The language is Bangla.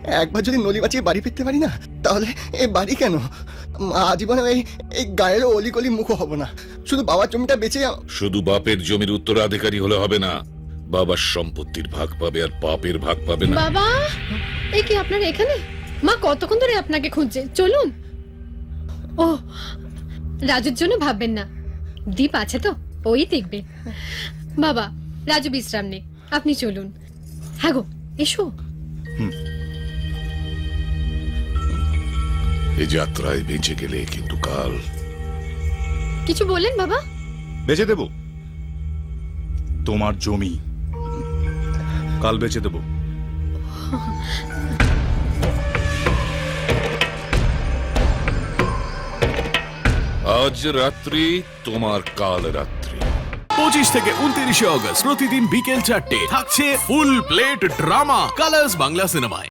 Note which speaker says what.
Speaker 1: একবার যদি নলি বাঁচিয়ে বাড়ি ফিরতে পারি না, তাহলে এই বাড়ি কেন, আজীবনে এই গায়ের অলিগলি মুখো হব না। শুধু বাবার জমিটা বেঁচে
Speaker 2: শুধু বাপের জমির উত্তরাধিকারী হলে হবে না, বাবার সম্পত্তির ভাগ পাবে আর পাপের ভাগ পাবে না।
Speaker 3: বাবা, এই কি আপনার এখানে? মা কতক্ষণ ধরে আপনাকে খুঁজছে, চলুন। ও, রাজুর জন্য ভাববেন না, দীপ আছে তো, ওই দেখবে। বাবা, রাজু বিশ্রাম নে, আপনি চলুন। হ্যাঁ গো, এসো।
Speaker 2: এই যাত্রায় বেঁচে গেলে কিন্তু কাল
Speaker 3: কিছু বললেন বাবা?
Speaker 4: বেচে দেব তোমার জমি, কাল বেচে দেব।
Speaker 2: আজ রাত্রি তোমার কাল রাত্রি।
Speaker 5: 25 থেকে 29 অগস্ট প্রতিদিন বিকেল 4টে থাকছে full plate drama Colors Bangla সিনেমায়।